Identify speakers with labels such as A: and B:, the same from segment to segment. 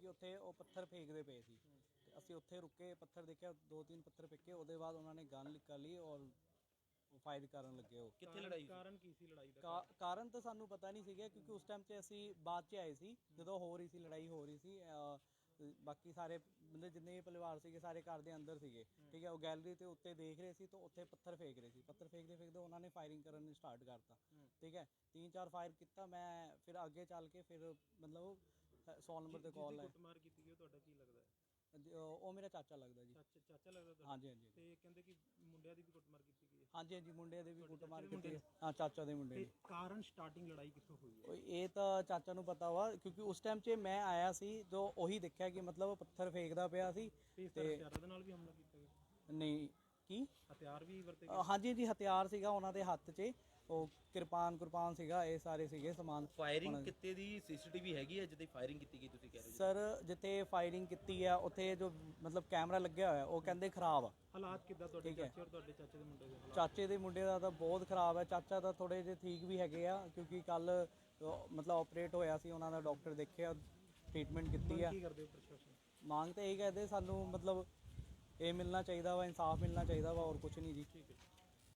A: ਕਿਉਂਕਿ ਉੱਥੇ ਉਹ ਪੱਥਰ ਫੇਕਦੇ ਪਏ ਸੀ ਤੇ ਅਸੀਂ ਉੱਥੇ ਰੁਕੇ, ਪੱਥਰ ਦੇਖਿਆ, 2-3 ਪੱਥਰ ਫੇਕੇ, ਉਹਦੇ ਬਾਅਦ ਉਹਨਾਂ ਨੇ ਗਨ ਨਿਕਾਲ ਲਈ ਔਰ ਫਾਇਰ ਕਰਨ ਲੱਗੇ। ਉਹ
B: ਕਿੱਥੇ ਲੜਾਈ ਕਾਰਨ ਕੀ ਸੀ ਲੜਾਈ ਦਾ?
A: ਕਾਰਨ ਤਾਂ ਸਾਨੂੰ ਪਤਾ ਨਹੀਂ ਸੀਗਾ ਕਿਉਂਕਿ ਉਸ ਟਾਈਮ 'ਚ ਅਸੀਂ ਬਾਅਦ 'ਚ ਆਏ ਸੀ ਜਦੋਂ ਹੋ ਰਹੀ ਸੀ ਲੜਾਈ ਹੋ ਰਹੀ ਸੀ। ਬਾਕੀ ਸਾਰੇ ਮਤਲਬ ਜਿੰਨੇ ਵੀ ਪਰਿਵਾਰ ਸੀਗੇ ਸਾਰੇ ਘਰ ਦੇ ਅੰਦਰ ਸੀਗੇ, ਠੀਕ ਹੈ। ਉਹ ਗੈਲਰੀ ਤੇ ਉੱਤੇ ਦੇਖ ਰਹੇ ਸੀ ਤਾਂ ਉੱਥੇ ਪੱਥਰ ਫੇਕ ਰਹੇ ਸੀ, ਪੱਥਰ ਫੇਕਦੇ ਫੇਕਦੇ ਉਹਨਾਂ ਨੇ ਫਾਇਰਿੰਗ ਕਰਨ ਸਟਾਰਟ ਕਰਤਾ, ਠੀਕ ਹੈ। 3-4 ਫਾਇਰ ਕੀਤਾ, ਮੈਂ ਫਿਰ ਅੱਗੇ ਚੱਲ ਕੇ ਫਿਰ ਮਤਲਬ 100 ਨੰਬਰ ਤੇ ਕਾਲ ਹੈ।
B: ਕੁੱਟਮਾਰ ਕੀਤੀ ਗਈ ਤੁਹਾਡਾ ਕੀ ਲੱਗਦਾ ਹੈ?
A: ਉਹ ਮੇਰਾ ਚਾਚਾ ਲੱਗਦਾ ਜੀ।
B: ਚਾਚਾ ਲੱਗਦਾ ਤੁਹਾਡਾ?
A: ਹਾਂਜੀ ਹਾਂਜੀ।
B: ਤੇ ਕਹਿੰਦੇ ਕਿ ਮੁੰਡਿਆਂ ਦੀ ਵੀ ਕੁੱਟਮਾਰ ਕੀਤੀ ਗਈ ਹੈ?
A: ਹਾਂਜੀ ਹਾਂਜੀ, ਮੁੰਡੇ ਦੇ ਵੀ ਕੁੱਟਮਾਰ ਕੀਤੀ ਹੈ। ਹਾਂ, ਚਾਚਾ ਦੇ ਮੁੰਡੇ ਨੇ।
B: ਕਾਰਨ ਸਟਾਰਟਿੰਗ ਲੜਾਈ ਕਿੱਥੋਂ ਹੋਈ ਹੈ?
A: ਇਹ ਤਾਂ ਚਾਚਾ ਨੂੰ ਪਤਾ ਵਾ ਕਿਉਂਕਿ ਉਸ ਟਾਈਮ 'ਚ ਮੈਂ ਆਇਆ ਸੀ ਜੋ ਉਹੀ ਦੇਖਿਆ ਕਿ ਮਤਲਬ ਪੱਥਰ ਫੇਕਦਾ ਪਿਆ ਸੀ
B: ਤੇ ਹਥਿਆਰਾਂ ਦੇ ਨਾਲ ਵੀ ਹਮਲਾ ਕੀਤਾ ਗਿਆ?
A: ਨਹੀਂ, ਕੀ
B: ਹਥਿਆਰ ਵੀ ਵਰਤੇ
A: ਗਏ? ਹਾਂਜੀ ਜੀ, ਹਥਿਆਰ ਸੀਗਾ ਉਹਨਾਂ ਦੇ ਹੱਥ 'ਚ, ਉਹ ਕਿਰਪਾਨ ਸੀਗਾ, ਇਹ ਸਾਰੇ ਸੀਗੇ ਸਮਾਨ।
B: ਫਾਇਰਿੰਗ ਕਿਤੇ ਦੀ ਸੀਸੀਟੀਵੀ ਹੈਗੀ ਹੈ ਜਿੱਥੇ ਫਾਇਰਿੰਗ ਕੀਤੀ ਗਈ ਤੁਸੀਂ ਕਹਿ ਰਹੇ ਹੋ?
A: ਸਰ, ਜਿੱਥੇ ਫਾਇਰਿੰਗ ਕੀਤੀ ਆ ਉੱਥੇ ਜੋ ਮਤਲਬ ਕੈਮਰਾ ਲੱਗਿਆ ਹੋਇਆ ਉਹ ਕਹਿੰਦੇ ਖਰਾਬ ਆ।
B: ਹਾਲਾਤ ਕਿੱਦਾਂ ਤੁਹਾਡੇ ਚਾਚੇ ਔਰ ਤੁਹਾਡੇ ਚਾਚੇ ਦੇ ਮੁੰਡੇ ਦੇ?
A: ਚਾਚੇ ਦੇ ਮੁੰਡੇ ਦਾ ਤਾਂ ਬਹੁਤ ਖਰਾਬ ਹੈ, ਚਾਚਾ ਤਾਂ ਥੋੜੇ ਜਿਹੇ ਠੀਕ ਵੀ ਹੈਗੇ ਆ ਕਿਉਂਕਿ ਕੱਲ ਮਤਲਬ ਆਪਰੇਟ ਹੋਇਆ ਸੀ, ਉਹਨਾਂ ਦਾ ਡਾਕਟਰ ਦੇਖਿਆ, ਟ੍ਰੀਟਮੈਂਟ ਕੀਤੀ ਆ।
B: ਕੀ ਕਰਦੇ ਹੋ ਪ੍ਰਸ਼ਾਸਨ?
A: ਮੰਗ ਤਾਂ ਇਹੀ ਕਰਦੇ ਸਾਨੂੰ ਮਤਲਬ ਇਹ ਮਿਲਣਾ ਚਾਹੀਦਾ ਵਾ, ਇਨਸਾਫ ਮਿਲਣਾ ਚਾਹੀਦਾ ਵਾ, ਹੋਰ ਕੁਝ ਨਹੀਂ ਜੀ।
B: ਠੀਕ ਹੈ।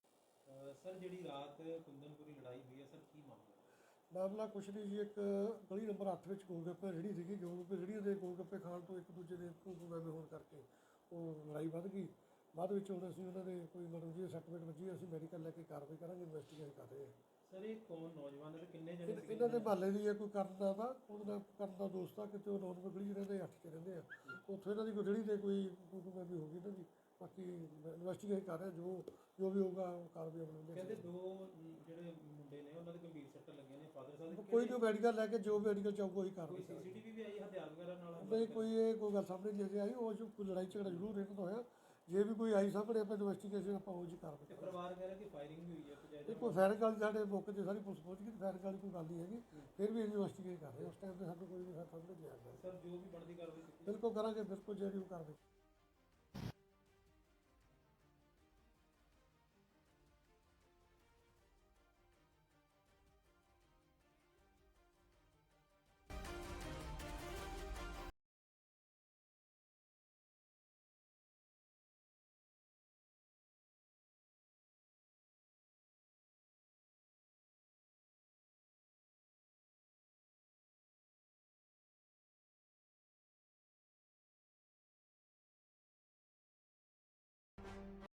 B: ਸਰ, ਜਿਹੜੀ ਰਾਤ ਕੁੰਦਨਪੁਰੀ ਲੜਾਈ ਹੋਈ ਹੈ ਸਰ, ਕੀ ਮਾਮਲਾ?
C: ਮਾਮਲਾ ਕੁਛ ਨਹੀਂ ਜੀ, ਇੱਕ ਗਲੀ ਨੰਬਰ 8 ਵਿੱਚ ਗੋਲਗੱਪੇ ਰੇਹੜੀ ਸੀਗੀ। ਗੋਲਗੱਪੇ ਰੇਹੜੀ ਦੇ ਗੋਲਗੱਪੇ ਖਾਣ ਤੋਂ ਇੱਕ ਦੂਜੇ ਦੇ ਐਵੇਂ ਹੋਣ ਕਰਕੇ ਉਹ ਲੜਾਈ ਵੱਧ ਗਈ। ਬਾਅਦ ਵਿੱਚ ਹੁਣ ਅਸੀਂ ਉਹਨਾਂ ਦੇ ਕੋਈ ਮਤਲਬ ਜੀ ਸੱਟਮੇਟ ਵੱਜੀ, ਅਸੀਂ ਮੈਡੀਕਲ ਲੈ ਕੇ ਕਾਰਵਾਈ ਕਰਾਂਗੇ, ਇਨਵੈਸਟੀਗੇਸ਼ਨ ਕਰ ਰਹੇ ਹਾਂ।
B: ਸਰ, ਇਹ ਕੌਣ ਨੌਜਵਾਨ ਹੈ, ਕਿੰਨੇ ਜਣੇ ਸੀ?
C: ਇਹਨਾਂ ਦੇ ਮਹੱਲੇ ਦੀ ਹੈ, ਕੋਈ ਕਰਨ ਦਾ ਉਹਦਾ ਕਰਨ ਦਾ ਦੋਸਤ ਆ, ਕਿਤੇ ਉਹ 9 ਨੰਬਰ ਗਲੀ 'ਚ ਰਹਿੰਦੇ, 8 'ਚ ਰਹਿੰਦੇ ਆ। ਉੱਥੇ ਇਹਨਾਂ ਦੀ ਕੋਈ ਰੇਹੜੀ 'ਤੇ ਕੋਈ ਵੀ ਹੋ ਗਈ ਇਹਨਾਂ ਦੀ। ਬਾਕੀ ਇਨਵੈਸਟੀਗੇਸ਼ਨ ਕਰ ਰਹੇ, ਜੋ ਵੀ ਹੋਊਗਾ ਕਾਰਵਾਈ ਅਮਲ।
B: ਕਹਿੰਦੇ 2 ਜਿਹੜੇ ਮੁੰਡੇ ਨੇ ਉਹਨਾਂ ਦੇ ਗੰਭੀਰ ਸੱਟਾਂ ਲੱਗੀਆਂ ਨੇ, ਫਾਦਰ ਸਾਹਿਬ
C: ਕੋਈ ਨਹੀਂ, ਮੈਡੀਕਲ ਲੈ ਕੇ ਜੋ ਮੈਡੀਕਲ ਚਾਹੂਗਾ ਉਹੀ ਕਾਰਵਾਈ ਕਰਾਂਗੇ।
B: ਸੀਸੀਟੀਵੀ ਵੀ ਆਈ ਹਥਿਆਰ ਵਗੈਰਾ ਨਾਲ?
C: ਨਹੀਂ, ਕੋਈ ਗੱਲ ਸਾਹਮਣੇ ਨਹੀਂ ਅਜੇ ਆਈ। ਉਹ ਜੋ ਕੋਈ ਲੜਾਈ ਝਗੜਾ ਜ਼ਰੂਰ ਇਹਨਾਂ ਦਾ ਹੋਇਆ, ਜੇ ਵੀ ਕੋਈ ਆਈ ਸਾਹਮਣੇ ਆਪਾਂ ਇਨਵੈਸਟੀਗੇਸ਼ਨ ਆਪਾਂ ਉਹ ਜੀ ਕਾਰਵਾਈ ਕਰਾਂਗੇ।
B: ਪਰਿਵਾਰ ਕਹਿ ਰਿਹਾ ਕਿ ਫਾਇਰਿੰਗ ਵੀ ਹੋਈ ਹੈ?
C: ਕੋਈ ਫਾਇਰਿੰਗ ਵਾਲੀ ਸਾਡੇ ਮੌਕੇ 'ਤੇ ਸਾਰੀ ਪੁਲਿਸ ਪਹੁੰਚ ਗਈ, ਫਾਇਰਿੰਗ ਵਾਲੀ ਕੋਈ ਗੱਲ ਨਹੀਂ ਹੈਗੀ। ਫਿਰ ਵੀ ਇਨਵੈਸਟੀਗੇਟ ਕਰ ਰਹੇ ਉਸ ਟਾਈਮ 'ਤੇ ਸਾਨੂੰ ਕੋਈ ਵੀ ਸਾਹਮਣੇ ਨਹੀਂ ਆਇਆ।
B: ਸਰ, ਜੋ ਵੀ ਬਣਦੀ ਕਾਰਵਾਈ ਕੀਤੀ
C: ਬਿਲਕੁਲ ਕਰਾਂਗੇ, ਬਿਲਕੁਲ ਜਿਹੜੀ ਉਹ ਕਾਰਵਾਈ।